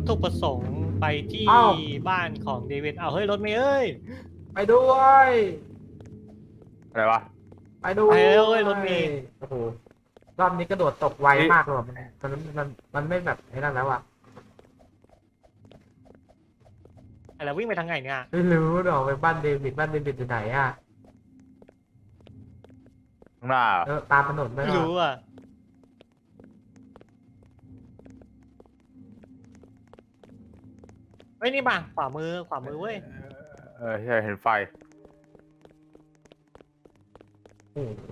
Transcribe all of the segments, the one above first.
ถุประสงค์ไปที่อ้าวบ้านของเดวิดเอาเฮ้ยรถเมย์เอ้ยไปด้วยอะไรวะไปด้วไปยแล้วเว้ยรถเมล์โอ้โหรอบนี้กระโดดตกไวมากเลยว่ะมันไม่แบบไอ้นั่นแล้วอ่ะอะไรวิ่งไปทางไหนเนี่ยไม่รู้เดี๋ยวไปบ้านเดวิดอยู่ไหนอ่ะข้างหน้าเหรอตามถนนไปไม่ก่อนรู้อ่ะเฮ้ยนี่ป่ะขวามือเว้ยใช่เห็นไฟโอ้โห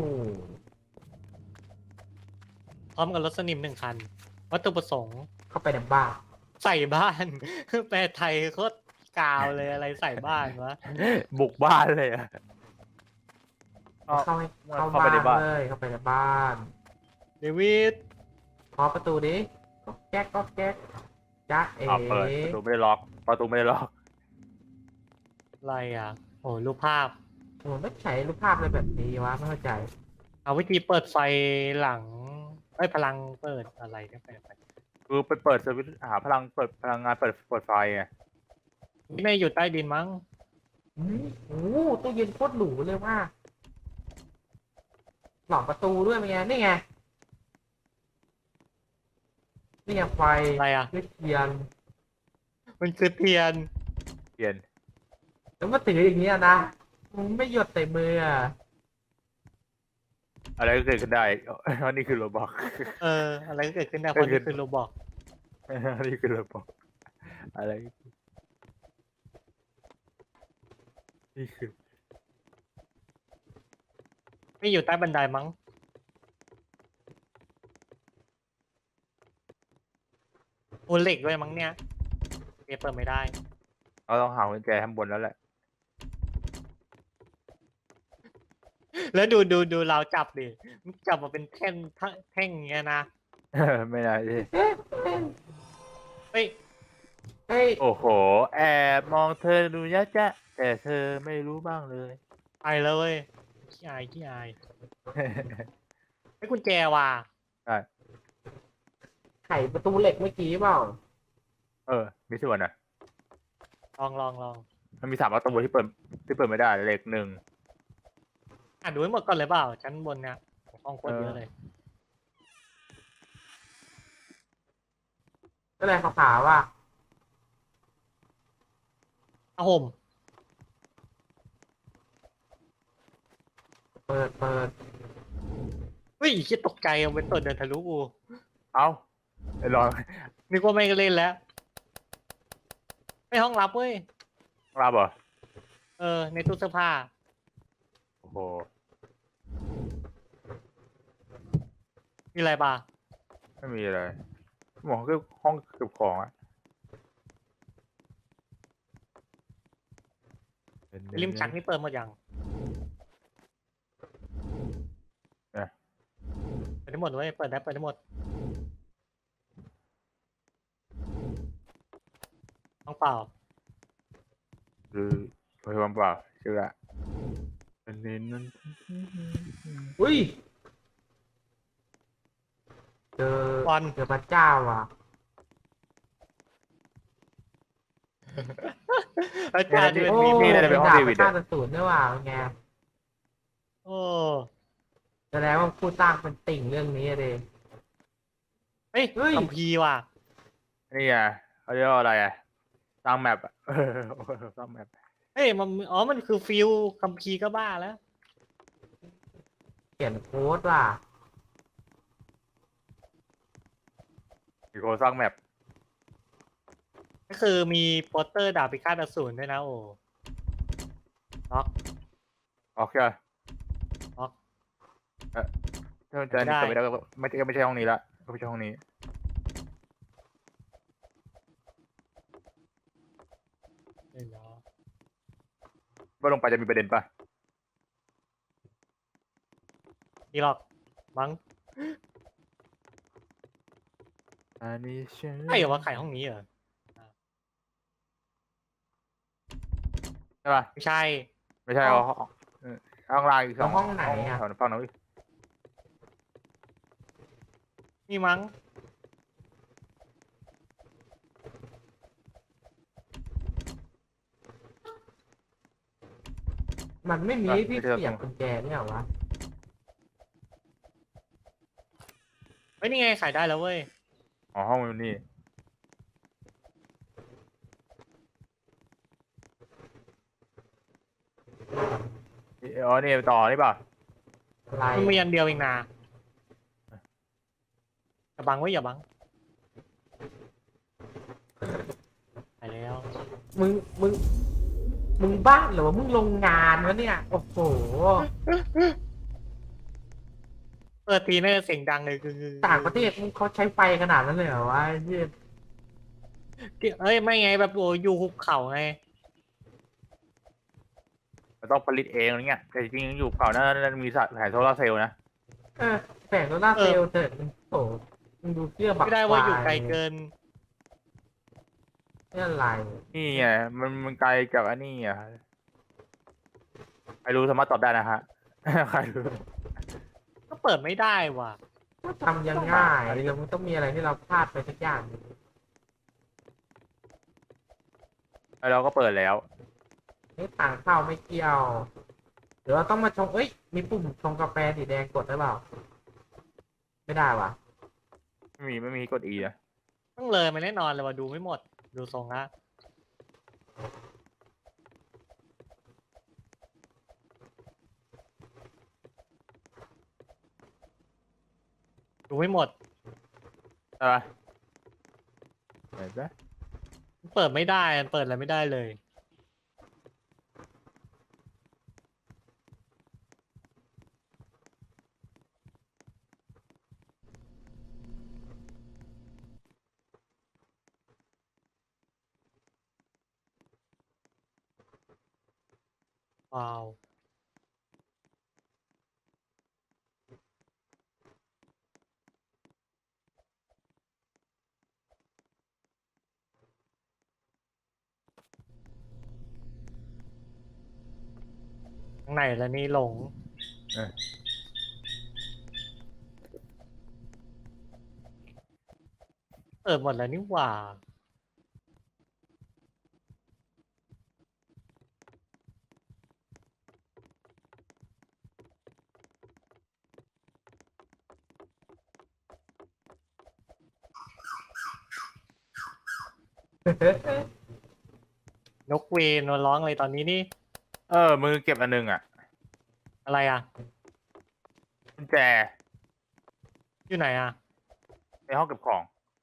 พร้อมกับรถสนิม1 คันวัตถุประสงค์เข้าไปในบ้านใส่บ้าน แปลไทยโคตรกาวเลยอะไรใส่บ้านวะบุกบ้านเลยอ่ะเข้าเข้าบ้าไปนในบ้านเลยเข้าไปในบ้านเดวิดเคาะประตูดิก็แก๊กจ๊ะเอ๋เปิดประตูไม่ได้ล็อกอะไรอ่ะโอ้รูปภาพโอ้ไม่ใช้รูปภาพอะไรแบบนี้วะไม่เข้าใจเอาวิธีเปิดไฟหลังพลังเปิดอะไรเนี่ยไปคือไปเปิดสวิตช์หาพลังเปิดพลังงานเปิดไฟไงนี่ไม่อยู่ใต้ดินมั้งโอ้โหตู้เย็นโคตรหรูเลยว่าหลอกประตูด้วยเป็นไงนี่ไงไฟอะไรอ่ะด้วยเทียนมันคือเทียนเปลี่ยนแล้วมาถืออย่างเงี้ยนะมึงไม่หยดใส่มืออ่ะอะไรก็เกิดขึ้นได้เพราะนี่คือโรบอกอะไรก็เกิดขึ้นได้เพราะนี่คือโรบอกนี่คือโรบอกอะไรนี่คือไม่อยู่ใต้บันไดมั้งโอเหล็กด้วยมั้งเนี่ยเปิดไม่ได้เราต้องหากุญแจข้างบนแล้วแหละแล้วดูเราจับดิจับมาเป็นแท่งอย่างเงี้ยนะไม่ได้สิเฮ้ยเฮ้ยโอ้โห แอบมองเธอดูยะจ๊ะแต่เธอไม่รู้บ้างเลยไปแล้วเว้ยขี้อายไอ้กุญแจว่ะไขประตูเหล็กเมื่อกี้เปล่ามีส่วนอ่ะลองมันมี3 ประตูที่เปิดไม่ได้เลข 1 ดูให้หมดก่อนเลยเปล่าชั้นบนเนี่ยห้องโคตรเยอะเลยก็เลยขาวๆว่าผ้าห่มเปิดเฮ้ยคิดตกใจเอาเป็นตัวเดินทะลุกูเอ้าไอ้รอยนึกว่าไม่ก็เล่นแล้วไม่ห้องรับเว้ยรับเหรอในตู้เสื้อผ้าโอ้โหมีอะไรบ้างไม่มีอะไรหมอคือห้องเก็บของอะริมชักนี่เปิดหมดยังเปิดได้หมดเว้ยเปิดได้หมดห้องเปล่าคือพยาบาลเปล่าเชื่ออันนี้นั่นอุ้ยเจอบอลเจอพระเจ้าว่ะอาจารย์ที่เป็นโอ้มีน่าจะเป็นห้องเดวิดดาอะบศูนย์ด้วยว่ะเป็นไงโอ้แสดงว่าผู้สร้างเป็นติ่งเรื่องนี้เลยเฮ้ยเฮ้ยคัมภีร์ว่ะนี่ไงเขาเรียกว่าอะไรอะสร้างแมปอะสร้างแมปเฮ้ยมันคือฟิลคัมภีร์ก็บ้าแล้วเขียนโค้ดว่ะอีกคนสร้างแมปก็คือมีโปสเตอร์ดาบพิฆาตอสูรด้วยนะโอ้ล็อกโอเคล็อกถ้ามันจะนี่ก็ไม่ได้ก็ไม่ใช่ห้องนี้ละก็ไม่ใช่ห้องนี้เดี๋ยวว่าลงไปจะมีประเด็นปะนี่หรอกมั้งอันนี้ใช่ใช่เหรอว่าไข่ห้องนี้เหรอใช่ปะไม่ใช่ไม่ใช่ห้องล่างอีก2 ห้องไหนอ่ะฝั่งนู้นนี่มั้งมันไม่มีอ่ะที่ไม่ใช่เสียบกุญแจเนี่ยเหรอวะเฮ้ยนี่ไงขายได้แล้วเว้ยอ๋อห้องมันนี่อ๋อนี่ต่อนี่เปล่าอะไรมันมีอันเดียวเองนะอย่าบังไว้อย่าบังไปแล้วมึงมึงมึงบ้าเหรอวะมึงโรงงานวะเนี่ยโอ้โหเปิดทีน่าจะเสียงดังเลยคือต่างประเทศมึงเขาใช้ไฟขนาดนั้นเลยเหรอวะไอ้เหี้ยเอ้ยไม่ไงแบบโอ้อยู่หุบเขาไงมันต้องผลิตเองอะไรเงี้ยแต่จริงๆอยู่เก่าน่าจะมีแผงโซลาร์เซลล์นะเออแสงโซล่าร์เซลล์เถิดมึงโอ้โหมึงดูเสื้อบักไม่ได้ว่าอยู่ไกลเกินเนี่ยอะไรนี่ไงมันไกลกับอันนี้อ่ะใครรู้สามารถตอบได้นะฮะ ใครรู้ก็เปิดไม่ได้ว่ะก็ทำยังง่ายแล้วมึงต้องมีอะไรที่เราพลาดไปสักอย่างหนึ่งแล้วเราก็เปิดแล้วนี่ต่างเข้าไม่เกี่ยวเดี๋ยวเราต้องมาชงเอ้ยมีปุ่มชงกาแฟสีแดงกดได้เปล่าไม่ได้ว่ะไม่มีกด E นะต้องเลยมันแน่นอนเลยว่าดูไม่หมด ดูทรงละดูไม่หมดใช่ปะเห็นปะเปิดไม่ได้มันเปิดอะไรไม่ได้เลย ว้าว ข้างในแล้วนี่หลงเออเปิดหมดแล้วนี่หว่า นกเวนมาร้องอะไรตอนนี้นี่มือเก็บอันหนึงอ่ะอะไรอ่ะกุญแจอยู่ไหนอ่ะในห้องเก็บของ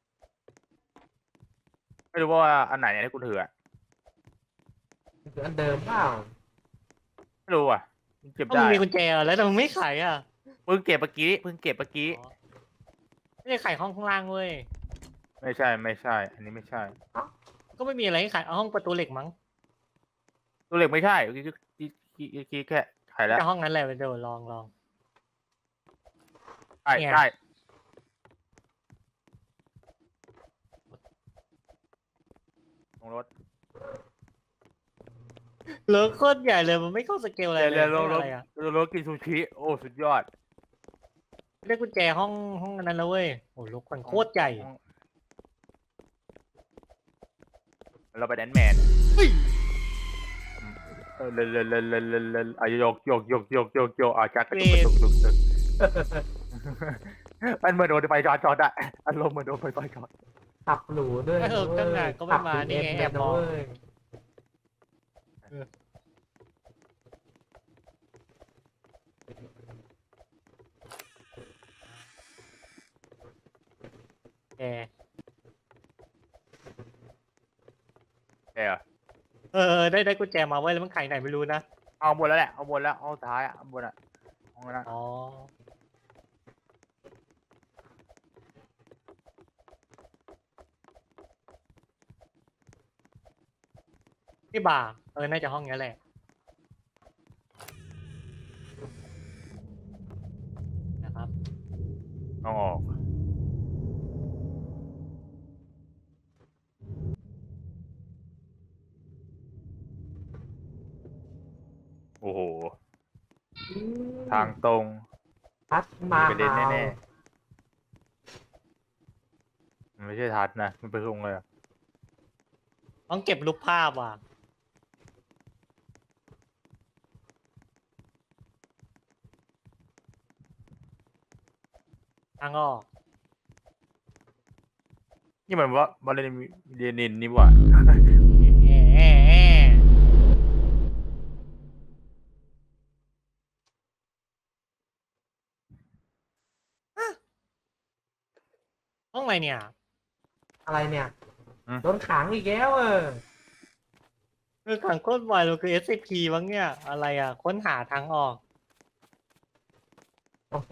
ไม่รู้ว่าอันไหนเนี่ยที่กูถืออ่ะคืออันเดิมเปล่าไม่รู้อ่ะมึงเก็บก็ได้มึงมีกุญแจแล้วแต่มึงไม่ไขอ่ะเพิ่งเก็บเมื่อกี้อ๋อไม่ได้ไขห้องข้างล่างเว้ยไม่ใช่ อันนี้ไม่ใช่ก็ไม่มีอะไรให้ไขเอาห้องประตูเหล็กมั้งตัวเหล็กไม่ใช่เมื่อกี้แค่ไขแล้วแต่ห้องนั้นแหละเดี๋ยวลองใช่เนี่ยใช่ลงรถเหลือโคตรใหญ่เลยมันไม่เข้าสเกลอะไรเลยเร็วลงรถอะไรอ่ะลงรถกินซูชิโอ้สุดยอดได้กุญแจห้องอันนั้นแล้วเว้ยโอ้ลูกมันโคตรใหญ่เราไปแดนแมนเร็วโยกจักกระตุกมันเหมือนโดนไฟช็อตอะอารมณ์เหมือนโดนไฟช็อตขับหรูด้วยเออตั้งนานก็ไม่มานี่ไงแอบมองเว้ยแก ได้กุญแจมาไว้ยแล้วมันไขไหนไม่รู้นะเอาบนแล้วแหละเอาบนแล้วเอาท้ายอะเอาบนอะเอาละอ๋อที่บ่าร์น่าจะห้องนี้แหละนะครับเอาออกโอ้โหทางตรงพัดมาไปเด่นแน่ๆมันไม่ใช่ทัดนะมันเป็นตรงเลยอะต้องเก็บรูปภาพว่ะทางออกนี่มันว่าบอลเลนินนี่หว่าแอะห้องอะไรเนี่ยอะไรเนี่ยอืมโดนขังอีกแล้วคือขังโคตรไวเลยคือ SCP บ้างเนี่ย อะไรอ่ะ ค้นหาทางออกโอ้โห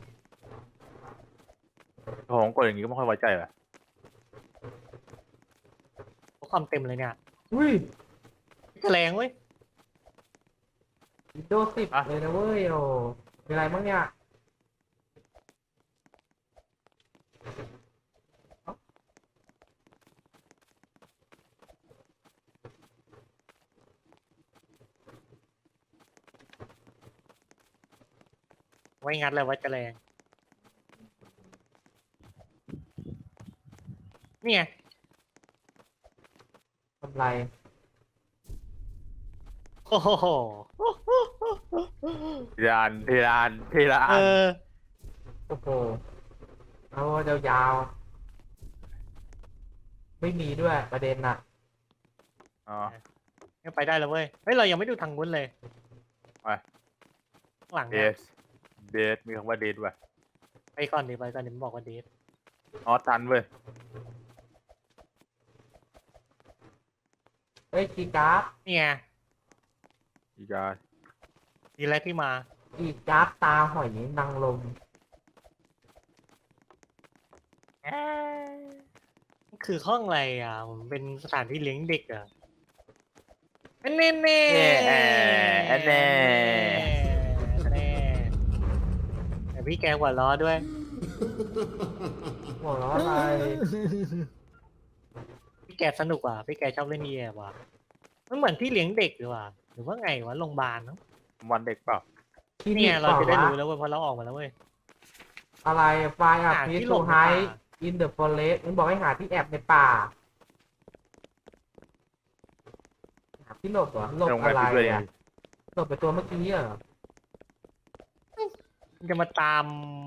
ผมกดอย่างนี้ก็ไม่ค่อยไว้ใจว่ะข้อความเต็มเลยเนี่ยอุ้ยแฉลงเว้ย Windows 10เลยนะเว้ยโอ้มีอะไรบ้างเนี่ยไว้งัดเลยว่าแฉลงนี่ไงทำไรโอ้โหทีละเออันอโอ้โหเอายาวๆไม่มีด้วยประเด็นน่ะอ๋อยังไปได้แล้วเว้ย เฮ้ย เรายังไม่ดูทางนู้นเลยไปข้างหลังเดเนี่ยสเดสมีคำว่าเดสว่ะไปก่อนดิไปก่อนดิมันบอกว่าเดทอ๋อทันเว้ยเฮ้ยคีย์การ์ดนี่ไงอีกาดีแล้วที่มาคีย์การ์ดตาหอยนางรมคือห้องอะไรอ่ะผมเป็นสถานที่เลี้ยงเด็กอ่ะเน่เน่แน่แน่แต่พี่แกหัวล้อด้วยหัวเราะอะไรพี่แกสนุกว่ะพี่แกชอบเล่นนี่แอบว่ะมันเหมือนที่เลี้ยงเด็กหรือว่าหรือว่าไงวะโรงพยาบาลเนาะวันเด็กเปล่าคลินิเนี่กยเปเราล่าจะได้วะรู้แล้วเว้ยเพราะเราออกมาแล้วเว้ยอะไรไฟล์อัพหาพีที่ซหลทูบในไฮป่าอินเดอะฟอเรสต์มันบอกให้หาที่แอบในป่า หาที่หลบเหรอหลบลงอะไปไรด้วยอ่ะหลบไปตัวเมื่อกี้เหรอมันจะมาตาม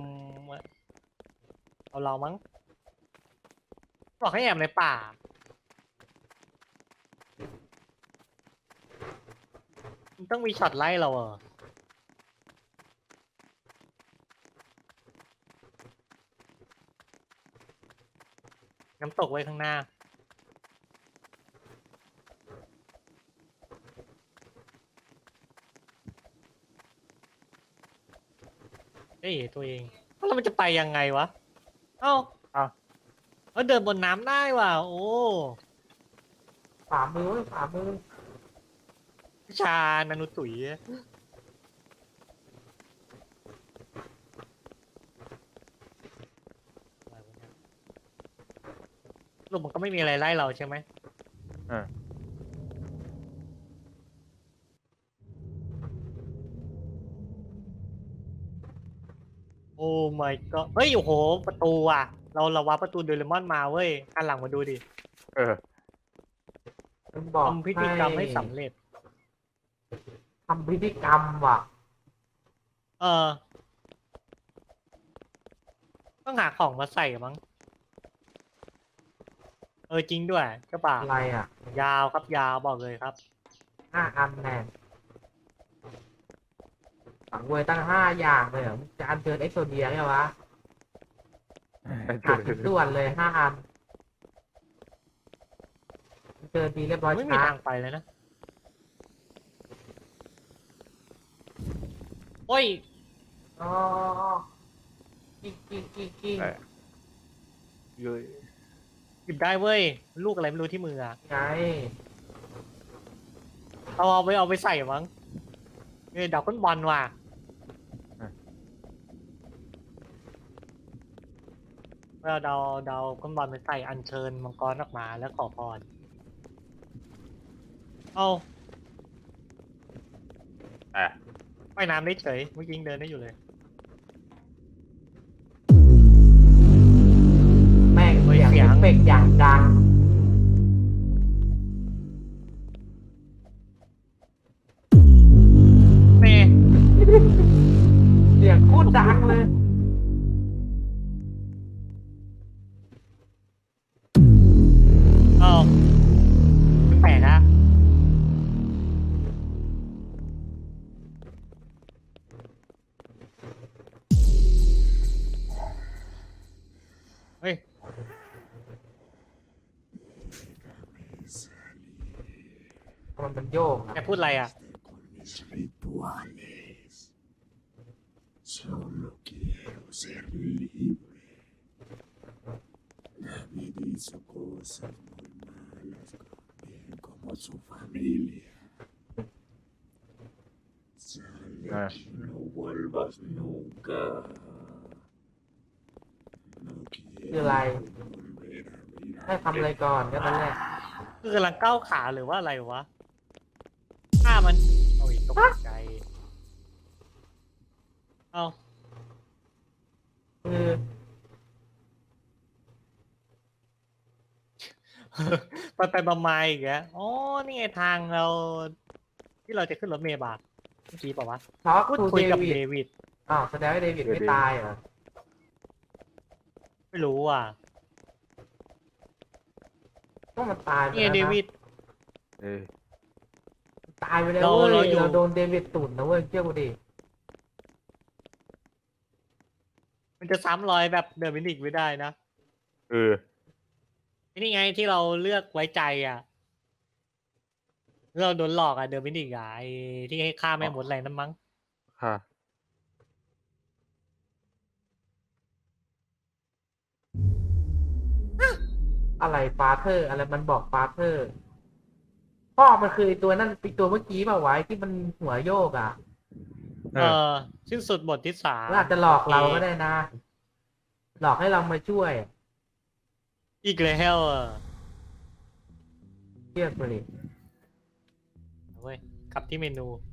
เอาเรามั้งบอกให้แอบในป่ามันต้องมีช็อตไล่เราเหรอน้ำตกไว้ข้างหน้าเอ้ยตัวเองแล้วมันจะไปยังไงวะ เอ้าเอ้าเดินบนน้ำได้ว่ะ โอ้ขวามือเว้ยขวามือวิชานานุตุ๋ยอะไรวะเนี่ยลูกมันก็ไม่มีอะไรไล่เราใช่ไหมเออโอ้ my god เฮ้ย โอ้โห ประตูอ่ะ เราวาร์ปประตูโดเรมอนมาเว้ยหันหลังมาดูดิเออมันบอกทำพิธีกรรมให้สำเร็จทำพิธีกรรมว่ะเออ ต้องหาของมาใส่มั้ง เออ จริงด้วยเจ้าป่าอะไรอ่ะยาวครับยาวบอกเลยครับ 5 อันแน่สังเวยตั้ง5 อย่างเลยเหรอมึงจะอัญเชิญเอ็กโซเดียไงวะขาดชิ้นส่วนเลย5 อันเจอดีเรียบร้อยไม่มีช้าทางไปเลยนะ โอ้ยอ๋อกิ้งเออ เย้ยหยิบได้เว้ย ลูกอะไรไม่รู้ที่มืออะไงเอาไปใส่มั้งเนี่ยดอกก้นบอลว่ะเราเดาก้นบอลไปใส่อัญเชิญมังกรออกมาแล้วขอพร เอาแต่ว่ายน้ำได้เฉยเมื่อกี้ยังเดินได้อยู่เลยแม่งเฮ้ยเสียงเสียงเอฟเฟกต์อย่างดังเน่เสียงโคตรดังเลยเฮ้ยมันโยกแกนะพูดอะไรอ่ะ Mis rituales. Solo quiero ser libre. David hizo cosas muy malas, bien como su familia. Sale Ah. y no vuelvas nunca. No คืออะไร quiero volver a mirar. ให้ทำอะไรก่อนก็นั่นแหละคือกำลังก้าวขาหรือว่าอะไรวะฆ่ามันโอ้ยตกใจ เอาคือไปมาๆอีกแล้วอ๋อ นี่ไงทางเรา ที่เราจะขึ้นรถเมล์บาเมื่อกี้เปล่าวะทอล์กพูดทูคุยเดกับวิเดดวิดอ้าวแสดงว่าเดวิดไม่ตายเหรอไม่รู้อ่ะก็มันตายไปนี่ไงแล้วเดนะวิดเออตายไปแล้วเราเว้ยเราอยู่เราโดนเดวิดตุ่นนะเว้ยเชื่อกูดิมันจะซ้ำรอยแบบเดอะมินิกไม่ได้นะเออนี่ไงที่เราเลือกไว้ใจอ่ะ เราโดนหลอกอ่ะเดอะมินิกอ่ะไอ้ที่ให้ฆ่าแม่มดอะไรนั่นมั้งค่ะอะไรฟาเธอร์อะไรมันบอกฟาเธอร์พ่อมันคือไอ้ตัวนั่นไอ้ตัวเมื่อกี้เปล่าวะไอ้ที่มันหัวโยกอ่ะเออสิ้นสุดบทที่สามมันอาจจะหลอกเราก็ได้นะ หลอกให้เรามาช่วยอีกแล้วอ่ะเชื่อกูดิเว้ยกลับที่เมนู